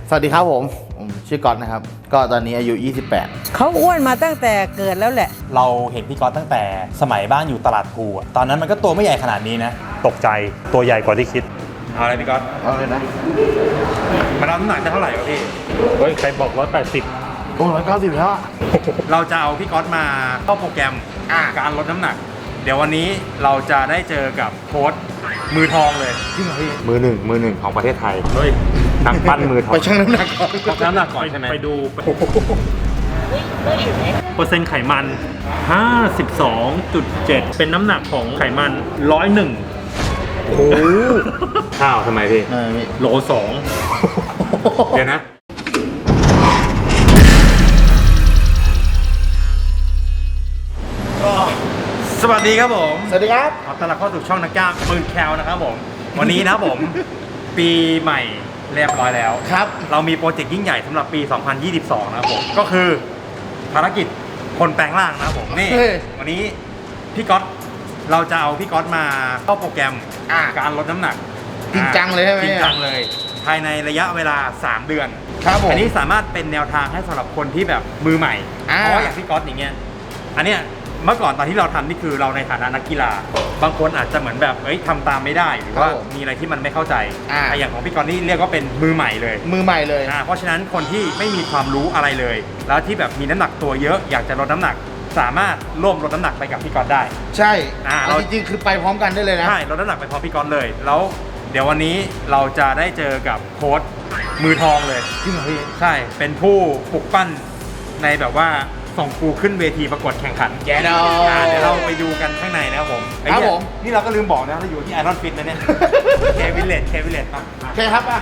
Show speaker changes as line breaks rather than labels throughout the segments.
สวัสดีครับผมชื่อก๊อตนะครับก็ตอนนี้อายุ28
เขาอ้วนมาตั้งแต่เกิดแล้วแหละ
เราเห็นพี่ก๊อตตั้งแต่สมัยบ้านอยู่ตลาดภูตอนนั้นมันก็ตัวไม่ใหญ่ขนาดนี้นะ
ตกใจตัวใหญ่กว่าที่คิด
เอาอะไรพี่ก๊อต
เอาเลยนะ
มารับน้ำหนักจะเท่าไหร่วะพี่
เฮ้ยใครบอก180
โอ้190แล้วอะ
เราจะเอาพี่ก๊อตมาเข้าโปรแกรมการลดน้ำหนักเดี๋ยววันนี้เราจะได้เจอกับโค้ชมือทองเลย
จริงเหรอพี่
มือหนึ่งของประเทศไทยเฮ้ยนักปั้นมือทอง
ไปชั่งน้ำหนักก่อน
ชั่งน้ำหนักก่อนใช่ไหม
ไปดูเปอร์เซ็นต์ไขมัน 52.7 เป็นน้ำหนักของไขมัน101โอ้ข้าวทำไมพี่โล2เดี๋ยวนะ
สวัสดีครับผม
สวัสดีครับ
ขอต้อนรับเข้าสู่ช่องนักกล้ามปืนแคลนะครับผมวันนี้นะครับผม ปีใหม่เรียบร้อยแล้ว
ครับ
เรามีโปรเจกต์ยิ่งใหญ่สำหรับปี 2022 นะครับผมก็คือภารกิจคนแปลงร่างนะครับผมนี่วันนี้พี่ก๊อตเราจะเอาพี่ก๊อตมาเข้าโปรแกรมการลดน้ำหนัก
จริงจังเลยใช่ไหม
จริงจังเลยภายในระยะเวลา3เดือน
ครับผม
อันนี้สามารถเป็นแนวทางให้สำหรับคนที่แบบมือใหม่เพราะอย่างพี่ก๊อตอย่างเงี้ยอันเนี้ยเมื่อก่อนตอนที่เราทำนี่คือเราในฐานะนักกีฬาบางคนอาจจะเหมือนแบบทำตามไม่ได้หรือว่ามีอะไรที่มันไม่เข้าใจแต่อย่างของพี่กรณ์นี่เรียกว่าเป็นมือใหม่เลยเพราะฉะนั้นคนที่ไม่มีความรู้อะไรเลยแล้วที่แบบมีน้ำหนักตัวเยอะอยากจะลดน้ำหนักสามารถร่วมลดน้ำหนักไปกับพี่กรณ์ได้
ใช่เราจริงๆคือไปพร้อมกันได้เลยนะ
ใช่ลดน้ำหนักไปพร้อมพี่กรณ์เลยแล้วเดี๋ยววันนี้เราจะได้เจอกับโค้ชมือทองเลย
จริงเหรอพี่
ใช่เป็นผู้ปลุกปั้นในแบบว่าส่งกูขึ้นเวทีประกวดแข่งขัน
เดี๋
ยวเราไปดูกันข้างในนะครับผม
ครับผม
นี่เราก็ลืมบอกนะเราอยู่ที่ไอรอนฟิตนะเนี่ยเควิลเลตครับ
โอเคครับ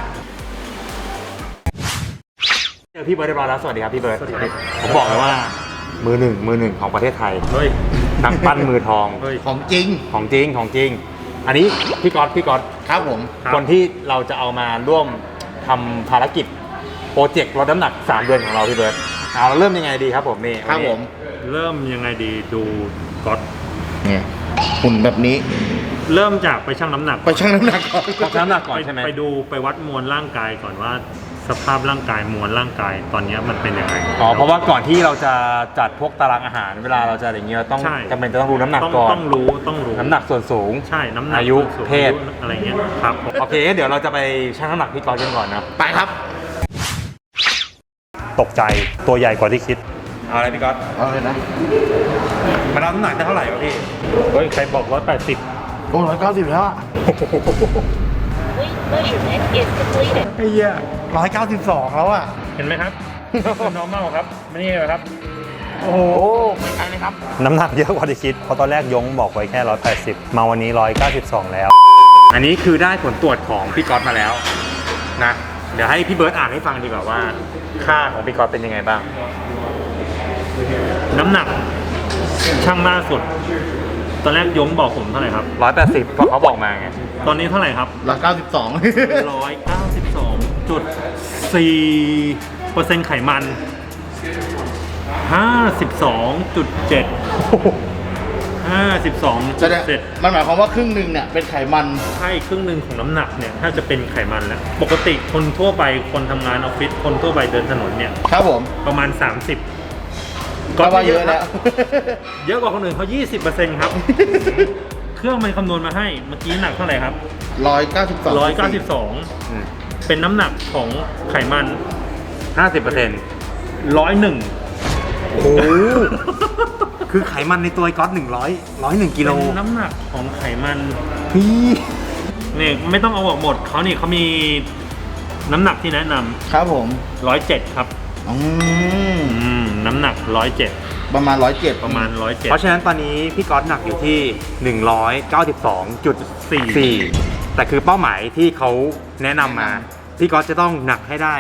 เจอพี่เบิร์ดเรียบร้อยแล้วสวัสดีครับพี่เบิร์ดผมบอกเลยว่า
มือหนึ่งของประเทศไทย
เฮ้ย
นักปั้นมือทอง
ของจริง
อันนี้พี่ก๊อต
ครับผม
คนที่เราจะเอามาร่วมทำภารกิจโปรเจกต์ลดน้ำหนัก3เดือนของเราพี่เบิร์ดเราเริ่มยังไงดีครับผมนี่
ครับผม
เริ่มยังไงดีดูก๊อต
เนี่ยหุ่นแบบนี้
เริ่มจากไปชั่งน้ำหนัก
ก่อนชั่งน้ำหนัก
ก่อนใช่ไหม
ไปวัดมวลร่างกายก่อนว่าสภาพร่างกายมวลร่างกายตอนนี้มันเป็นยังไง
เพราะว่าก่อนที่เราจะจัดพวกตารางอาหารเวลาเราจะอย่างเงี้ยต้องจำเป็นจะต้องรู้น้ำหนักก่อน
ต้องรู้
น้ำหนักส่วนสูง
ใช่น้ำหนัก
อายุเพศ
อะไรเงี้ยครับ
โอเคเดี๋ยวเราจะไปชั่งน้ำหนักพี่ก๊อตกันก่อนนะ
ไปครับ
ตกใจตัวใหญ่กว่าที่คิด
เอาอะไรพี่ก๊อต
เอาเลยนะ
มารับน้ำหนักได้เท่าไหร่วะพี่
เฮ้ยใครบอก180
โอ้190แล้วอะ
ไอ้เหี้ย192แล้วอะ
เห็นไหมครับnormal ครับไม่นี่เลยครับ
โอ้โหไม่ไกลเลยครับ
น้ำหนักเยอะกว่าที่คิดเพราะตอนแรกยงบอกไว้แค่180มาวันนี้192แล้ว
อันนี้คือได้ผลตรวจของพี่ก๊อตมาแล้วนะเดี๋ยวให้พี่เบิร์ดอ่านให้ฟังดีกว่าว่าค่าของพี่ก๊อตเป็นยังไงบ้าง
น้ำหนักช่างล่าสุดตอนแรกยงบอกผมเท่าไหร่ครับ
180เพราะเขาบอกมาไง
ตอนนี้เท่าไหร่ครับ192.4% ไขมัน 52.7
มันหมายความว่าครึ่งหนึ่งเนี่ยเป็นไขมัน
ใช่ครึ่งหนึ่งของน้ำหนักเนี่ยถ้าจะเป็นไขมันแล้วปกติคนทั่วไปคนทำงานออฟฟิศคนทั่วไปเดินถนนเนี่ย
ครับผม
ประมาณ30
ก็ว่าเยอะแล้ว
เยอะกว่าคนอื่นเขา 20% ครับเครื่องมันคำนวณมาให้เมื่อกี้หนักเท่าไหร่ครับ192เป็นน้ำหนักของไขมัน
50%
101
โอ้ คือไขมันในตัวก๊อต101กิโล
เป็นน้ำหนักของไขมันนี่ไม่ต้องเอาออกหมดเขามีน้ำหนักที่แนะนำ
ครับผม
107ครับน้ำหนัก107
ประมาณ107
เพราะฉะนั้นตอนนี้พี่ก๊อตหนักอยู่ที่192.4แต่คือเป้าหมายที่เขาแนะนำมาพี่ก๊อตจะต้องหนักให้ได้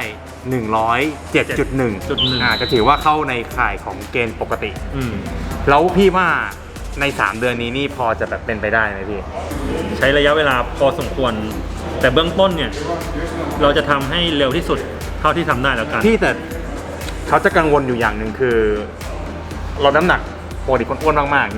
107.1จะถือว่าเข้าในข่ายของเกณฑ์ปกติแล้วพี่ว่าใน3เดือนนี้นี่พอจะแบบเป็นไปได้ไหมพี่
ใช้ระยะเวลาพอสมควรแต่เบื้องต้นเนี่ยเราจะทำให้เร็วที่สุดเท่าที่ทำได้แล้วกัน
พี่แต่เขาจะกังวลอยู่อย่างหนึ่งคือลดน้ำหนักปกติคนอ้วนมากๆเนี่ย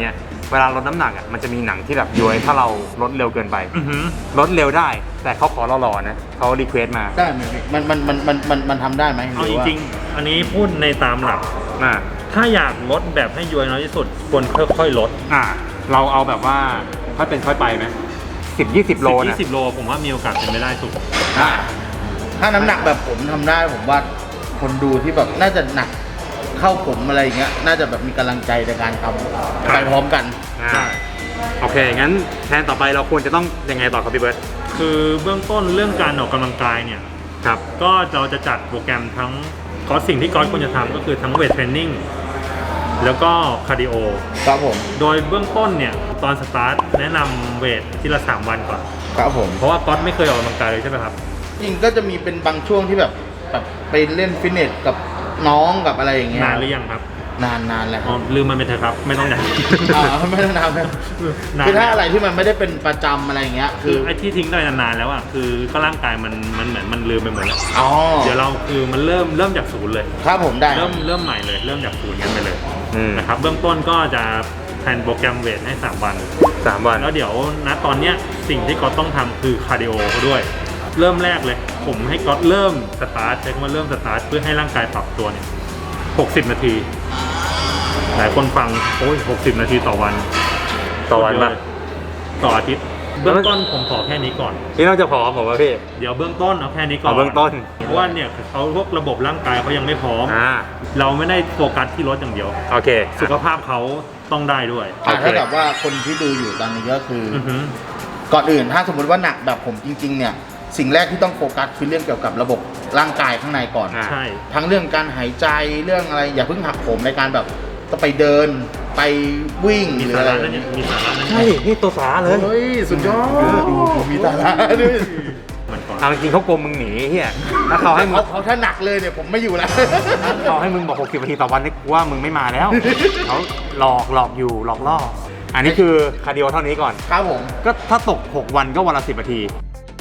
เวลาลดน้ำหนักอ่ะมันจะมีหนังที่แบบย้วยถ้าเราลดเร็วเกินไปลดเร็วได้แต่เขาขอเราหล่อนะเขารีเควสมา
ได้ไหมพี่มันทำได้ไหม
เอาจริงๆอันนี้พูดในตามหลักถ้าอยากลดแบบให้ย้วยน้อยที่สุดควรค่อยๆลด
เราเอาแบบว่าค่อยเป็นค่อยไปไหม10-20 โลนะ
10-20 โลผมว่ามีโอกาสเป็นไปได้สุด
ถ้าน้ำหนักแบบผมทำได้ผมว่าคนดูที่แบบน่าจะหนักเข้าผมอะไรอย่างเงี้ยน่าจะแบบมีกำลังใจในการทำไปพร้อมกัน
โอเคงั้นแทนต่อไปเราควรจะต้องยังไงต่อครับพี่เบิร์ต
คือเบื้องต้นเรื่องการออกกำลังกายเนี่ย
ครับ
ก็เราจะจัดโปรแกรมทั้งสิ่งที่ควรจะทำก็คือทั้งเวทเทรนนิ่งแล้วก็คาร์ดิโอ
ครับผม
โดยเบื้องต้นเนี่ยตอนสตาร์ทแนะนำเวททีละ3 วันก่อน
ครับผม
เพราะว่าก๊อตไม่เคยออกกำลังกายเลยใช่ไหมครับ
จริงก็จะมีเป็นบางช่วงที่แบบไปเล่นฟิตเนสกับน้องกับอะไรอย่างเงี้ย
นานหรือยังครับ
นานแล้ว
ลืมมันไปเถอะครับไม่ต้องนาน
ไม่ต้องนานคือถ้าอะไรที่มันไม่ได้เป็นประจำอะไรอย่างเงี้ย
คือไอ้ที่ทิ้งได้นานๆแล้วอ่ะคือก็ร่างกายมันเหมือนมันลืมไปหมดแล้วเดี๋ยวเราคือมันเริ่มจากศูนย์เลย
ครับผมได้
เริ่มใหม่เลยเริ่มจากศูนย์กันไปเลยนะครับเบื้องต้นก็จะแทนโปรแกรมเวทให้3 วันแล้วเดี๋ยวณตอนเนี้ยสิ่งที่ก๊อตต้องทำคือคาร์ดิโอเขาด้วยเริ่มแรกเลยผมให้ก๊อตเริ่มสตาร์ทใช้คำว่าเริ่มสตาร์ทเพื่อให้ร่างกายปรับตัวเนี่ย60 นาทีหลายคนฟังโอ้ย60 นาทีต่อวัน
ป่ะ
ต่ออาทิตย์เบื้องต้นผมขอแค่นี้ก่อน
ที่เราจะขอผมว่าพี่
เดี๋ยวเบื้องต้นเอาแค่นี้ก่อน
เบื้องต้น
เพราะว่าเนี่ยเขาพวกระบบร่างกายเขายังไม่พร้อมเราไม่ได้โฟกัสที่รถอย่างเดียว
โอเค
สุขภาพเขาต้องได้ด้วย
ถ้าแบบว่าคนที่ดูอยู่ตอนนี้ก็คือก่อนอื่นถ้าสมมติว่าหนักแบบผมจริงๆเนี่ยสิ่งแรกที่ต้องโฟกัสคือเรื่องเกี่ยวกับระบบร่างกายข้างในก่อน
ใช่
ทั้งเรื่องการหายใจเรื่องอะไรอย่าเพิ่งหักโหมในการแบบต้องไปเดินไปวิ่งหรืออะไร
มีสาระ
ใช่นี่ตัวสาเลย
เฮ้ยสุดยอดมีสาระด้วย
เอาจริงเขากลัวมึงหนีเฮียถ้าเขาให้มึง
เขาถ้าหนักเลยเนี่ยผมไม่อยู่แล้ว
เขาให้มึงบอก60 นาทีต่อวันนี่ว่ามึงไม่มาแล้วเขาหลอกอยู่หลอกล่ออันนี้คือคาร์ดิโอเท่านี้ก่อน
ครับผม
ก็ถ้าตก6 วันก็วันละ10 นาที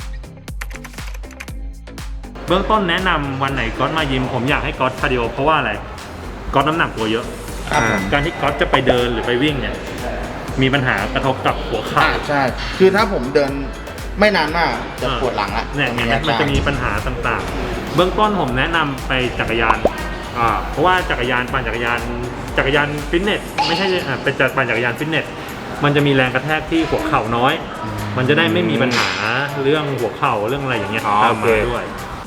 เบื้องต้นแนะนำวันไหนก๊อตมายิมผมอยากให้ก๊อตคาร์ดิโอเพราะว่าอะไรก๊อตน้ำหนักตัวเยอะการที่ก๊อตจะไปเดินหรือไปวิ่งเนี่ยมีปัญหากระทบกับหัวเข่า
ใช่คือถ้าผมเดินไม่นานมากจะปวดหลังละ
เนี่ยมันจะมีปัญหาต่างๆเบื้องต้นผมแนะนำไปจักรยานเพราะว่าจักรยานฟิตเนสไม่ใช่เป็นปั่นจักรยานฟิตเนสมันจะมีแรงกระแทกที่หัวเข่าน้อยมันจะได้ไม่มีปัญหาเรื่องหัวเข่าเรื่องอะไรอย่างเงี้ยตามมาด้วย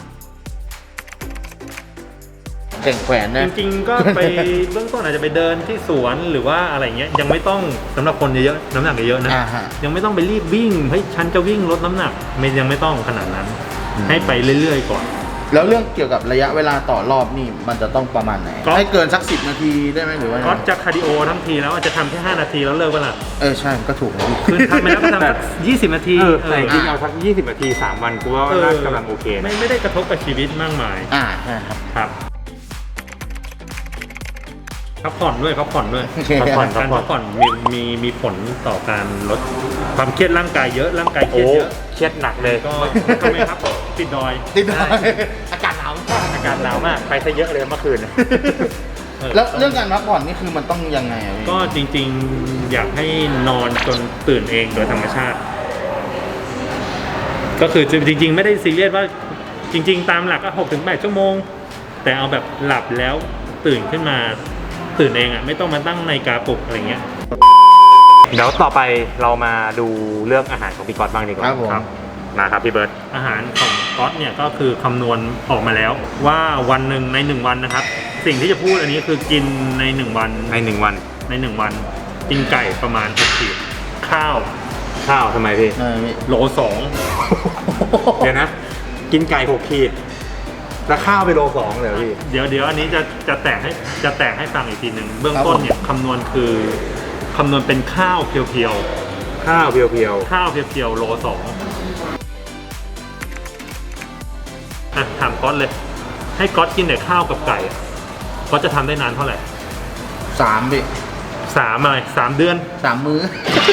แข่งแขวนนะ
จริงๆก็ไปเบื้องต้นอาจจะไปเดินที่สวนหรือว่าอะไรเงี้ยยังไม่ต้องสำหรับคนเยอะน้ำหนักเยอะนะยังไม่ต้องไปรีบวิ่งเฮ้ยฉันจะวิ่งลดน้ำหนักยังไม่ต้องขนาดนั้นให้ไปเรื่อยๆก่อน
แล้วเรื่องเกี่ยวกับระยะเวลาต่อรอบนี่มันจะต้องประมาณไหนให้เกินสัก10 นาทีได้ไหมหรือว่า
ก็จะคาร์ดิโอทั้งทีแล้วจะทำแค่5 นาทีแล้วเลิกเวลา
ใช่ก็ถูก
คือทำไปแล้วก็ทำสัก20 นาที
แต่จริงเอาสัก20 นาที3 วันกูว่าน่ากำลังโอเค
ไม่ได้กระทบกับชีวิตมากมาย
ใช่
ครับพักผ่อนด้วยมีผลต่อการลดความเครียดร่างกายเยอะร่างกายเครียดเยอะ
เครียดหนักเลย
ก็ทำไมครับติดดอย
อากาศหนาว
มากไปซะเยอะเลยเมื่อคืน
แล้วเรื่องการพักผ่อนนี่คือมันต้องยังไง
ก็จริงๆอยากให้นอนจนตื่นเองโดยธรรมชาติก็คือจริงๆไม่ได้ซีเรียสว่าจริงๆตามหลักก็6-8 ชั่วโมงแต่เอาแบบหลับแล้วตื่นขึ้นมาตื่นเองไม่ต้องมาตั้งนาฬิกาปลุกอะไรเงี้ย
เดี๋ยวต่อไปเรามาดูเรื่องอาหารของพี่ก๊อตบ้างดีกว่า
ครับ
นะครับพี่เบิร์ต
อาหารของก๊อตเนี่ยก็คือคำนวณออกมาแล้วว่าวันหนึ่งใน1 วันนะครับสิ่งที่จะพูดอันนี้คือกินใน1 วันกินไก่ประมาณ6 ขีดข้าว
ทำไมพี่
โล
2เดี๋ยวนะกินไก่6 ขีดแล้วข้าวไปโล 2เลยพี่
เดี๋ยวอันนี้จะแตกให้ฟังอีกทีหนึ่งเบื้องต้นเนี่ยคำนวณเป็นข้าวเพียวโล 2ถามก๊อตเลยให้ก๊อตกินแต่ข้าวกับไก่ก๊อตจะทำได้นานเท่าไหร่
3 ปี
3อะไร3 เดือน
3 มื้อ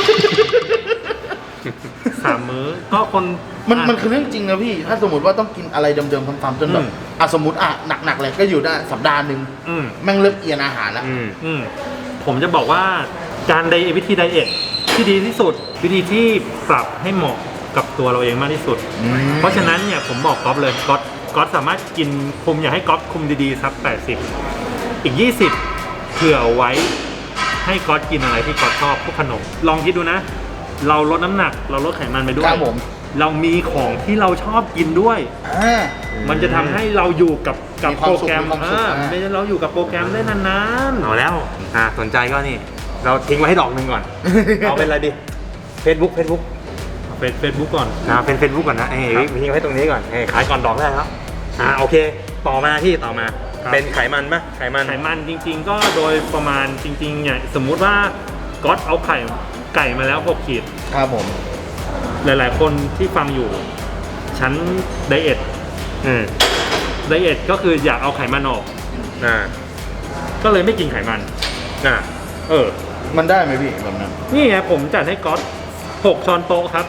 3 มื้อก็คน
มันคือเรื่องจริงนะพี่ถ้าสมมติว่าต้องกินอะไรเดิมๆซ้ำๆจนแบบสมมติหนักเลยก็อยู่ได้สัปดาห์นึงแม่งเริ่มเอียนอาหารแล้ว
ผมจะบอกว่าการวิธีไดเอทที่ดีที่สุด วิธีที่ปรับให้เหมาะกับตัวเราเองมากที่สุด เพราะฉะนั้นเนี่ยผมบอกก๊อฟเลยก๊อฟสามารถกินคุมอยากให้ก๊อฟคุมดีๆสัก80อีก20เผื่อไว้ให้ก๊อฟกินอะไรที่ก๊อฟชอบพวกขนมลองคิดดูนะ เราลดน้ำหนักเราลดไขมันไปด้วย
ครับผม
เรามีของที่เราชอบกินด้วย มันจะทำให้เราอยู่กับ
มีความ
โปร
สุข
แกรม
มีความสุข
ไม่ใช่เราอยู่กับโปรแกรมได้นาน
เอาแล้วสนใจก็นี่ เราทิ้งไว้ให้ดอกหนึ่งก่อน เอาเป็นอะไรดิ Facebook
ๆเฟซบุ๊กก่อน
เป็น Facebook ก่อนนะทิ้งไว้ตรงนี้ก่อนขายก่อนดอกได้ครับโอเค ต่อมาเป็นไขมันปะไขมัน
จริงๆ ก็โดยประมาณจริงๆเนี่ยสมมุติว่าก๊อตเอาไก่มาแล้ว6ขีด
ครับผม
หลายๆคนที่ฟังอยู่ฉันไดเอทก็คืออยากเอาไขมันออกก็เลยไม่กินไขมัน
มันได้ไหมพี่แบบนั้น
นี่ไงผมจัดให้ก๊อต6ช้อนโต๊ะครับ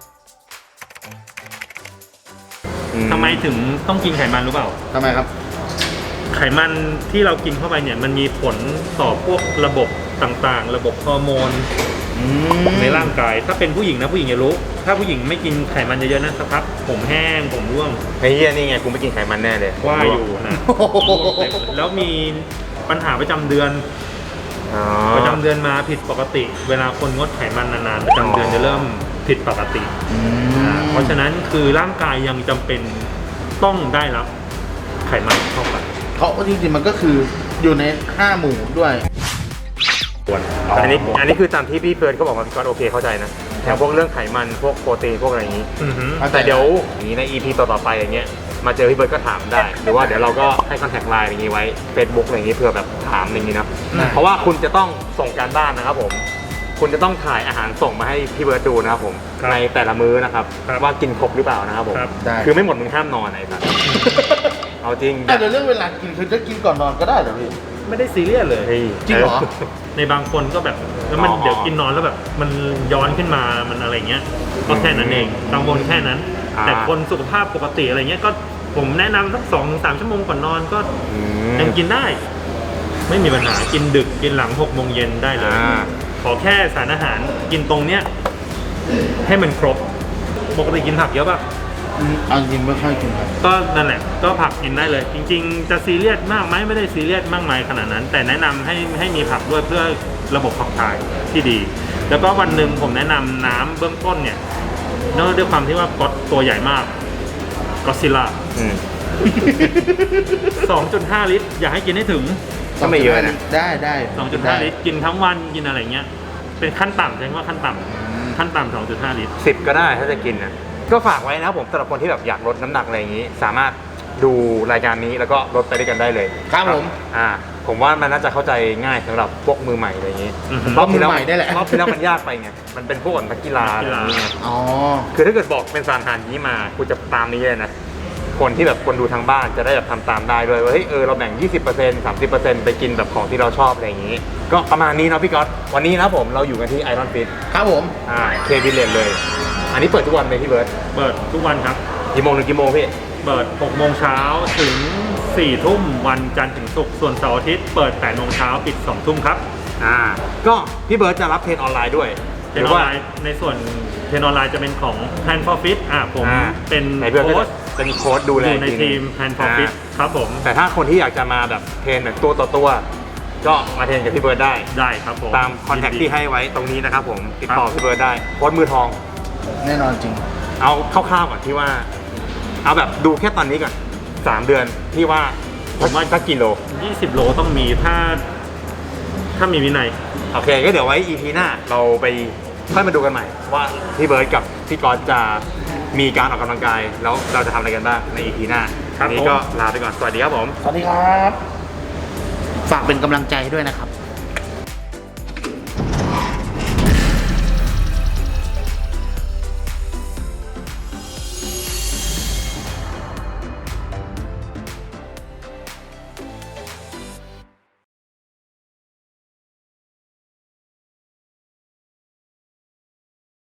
ทำไมถึงต้องกินไขมันรู้เปล่า
ทำไมครับ
ไขมันที่เรากินเข้าไปเนี่ยมันมีผลต่อพวกระบบต่างๆ ระบบฮอร์โมนในร่างกายถ้าเป็นผู้หญิงนะผู้หญิงจะรู้ถ้าผู้หญิงไม่กินไขมันเยอะๆนะสักพักผมแห้งผมร่วง
ไอ้เหี้ยนี่ไงกูไม่กินไขมันแน่เลย
ว่าอยู่นะแล้วมีปัญหาประจำเดือนมาผิดปกติ เวลาคนงดไขมันนานๆประจำเดือนจะเริ่มผิดปกติเพราะฉะนั้นคือร่างกายยังจำเป็นต้องได้รับไขมันเข้าไป
เพราะจริงๆมันก็คืออยู่ใน5หมู่ด้วย
อันนี้คือตามที่พี่เฟิร์นก็บอกว่าพี่ก๊อตโอเคเข้าใจนะอย่างพวกเรื่องไขมันพวกโปรตีนพวกอะไรอย่างนี้แต่เดี๋ยวอย่างนี้ใน EP ต่อๆไปอย่างเงี้ยมาเจอพี่เบิร์ดก็ถามได้ หรือว่าเดี๋ยวเราก็ให้คอนแทคไลน์อย่างนี้ไว้ Facebook อะไรอย่างนี้เผื่อแบบถามอย่างนี้นะเพราะว่าคุณจะต้องส่งการบ้านนะครับผมคุณจะต้องถ่ายอาหารส่งมาให้พี่เบิร์ดดูนะครับผมในแต่ละมื้อนะครับว่ากินครบหรือเปล่านะครับผมคือไม่หมดมึงห้ามนอนไหนครับเอาจริง
แต่เรื่องเวลากินคือจะกินก่อนนอนก็ได้เหรอพี่
ไม่ได้ซีเรียสเลย
จริงเหรอ
ในบางคนก็แบบแล้วมันเดี๋ยวกินนอนแล้วแบบมันย้อนขึ้นมามันอะไรเงี้ยก็แค่นั้นเองกังวลแค่นั้นแต่คนสุขภาพปกติอะไรเงี้ยก็ผมแนะนำสัก2-3 ชั่วโมงก่อนนอนก็ยังกินได้ไม่มีปัญหากินดึกกินหลัง6 โมงเย็นได้เลยขอแค่สารอาหารกินตรงเนี้ยให้มันครบปกติกินผักเยอะป่ะ
เอาจริงไม่ค่อยกินครับ
ก็นั่นแหละก็ผักกินได้เลยจริงๆจะซีเรียสมากไหมไม่ได้ซีเรียสมากมายขนาดนั้นแต่แนะนำให้มีผักด้วยเพื่อระบบขับถ่ายที่ดีแล้วก็วันหนึ่งผมแนะนำน้ำเบื้องต้นเนี่ยเนื่องด้วยความที่ว่าก๊อตตัวใหญ่มากก็ซิลล่า2.5 ลิตรอยากให้กินให้ถึง
ก็ไม่เยอะนะ
ได้
2.5 ลิตรกินทั้งวันกินอะไรเงี้ยเป็นขั้นต่ำใช่ไหมว่าขั้นต่ำ 2.5 ลิตร
10ก็ได้ถ้าจะกินนะก็ฝากไว้นะผมสำหรับคนที่แบบอยากลดน้ำหนักอะไรอย่างนี้สามารถดูรายการนี้แล้วก็ลดไปด้วยกันได้เลย
ครับ
ผมว่ามันน่าจะเข้าใจง่ายสำหรับพวกมือใหม่อะไรอย่างนี้
รอบมือใหม่ได้แหละ
รอบที่แล้วมันยากไปไงมันเป็นพวกนักกีฬาอะไรอย่างนี้คือถ้าเกิดบอกเป็นสารอาหารนี้มากูจะตามนี้เลยนะคนที่แบบคนดูทางบ้านจะได้แบบทำตามได้ด้วยว่าเฮ้ยเราแบ่ง 20% 30% ไปกินแบบของที่เราชอบอะไรอย่างนี้ก็ประมาณนี้เนาะพี่ก๊อตวันนี้นะผมเราอยู่กันที่ Iron Fit
ครับผม
เควิลเลนเลยอันนี้เปิดทุกวันไหมพี่เบิร์ด
เปิดทุกวันครับ
กี่โมงถึงกี่โมงพี่
เปิด6 โมงเช้าถึง4 ทุ่มวันจันทร์ถึงศุกร์ส่วนเสาร์อาทิตย์เปิด8 โมงเช้าปิด2 ทุ่มครับ
ก็พี่เบิร์ดจะรับเทรนออนไลน์ด้วย
เทรนออนไลน์ในส่วนเทรนออนไลน์จะเป็นของ Plan for Fit ผมเป็น
โค้ชดูแล
ในทีม Plan for Fit ครับผม
แต่ถ้าคนที่อยากจะมาแบบเทรนแบบตัวต่อตัวก็มาเทรนกับพี่เบิร์ด
ได้ครับผม
ตามคอนแทคที่ให้ไว้ตรงนี้นะครับผมติดต่อพี่เบิร์ดได้โค้ชมือทอง
แน่นอนจริง
เอาคร่าวๆก่อนที่ว่าเอาแบบดูแค่ตอนนี้ก่อน3 เดือนที่ว่าผมว่าสักกิโล
20 โลต้องมีถ้ามีวินัย
โอเคก็เดี๋ยวไว้ EP หน้าเราไปค่อยมาดูกันใหม่ว่าพี่เบิร์ดกับพี่กอล์ฟจะมีการออกกำลังกายแล้วเราจะทำอะไรกันบ้างใน EP หน้าวันนี้ก็ลาไปก่อนสวัสดีครับผม
สวัสดีครับฝากเป็นกำลังใจด้วยนะครับ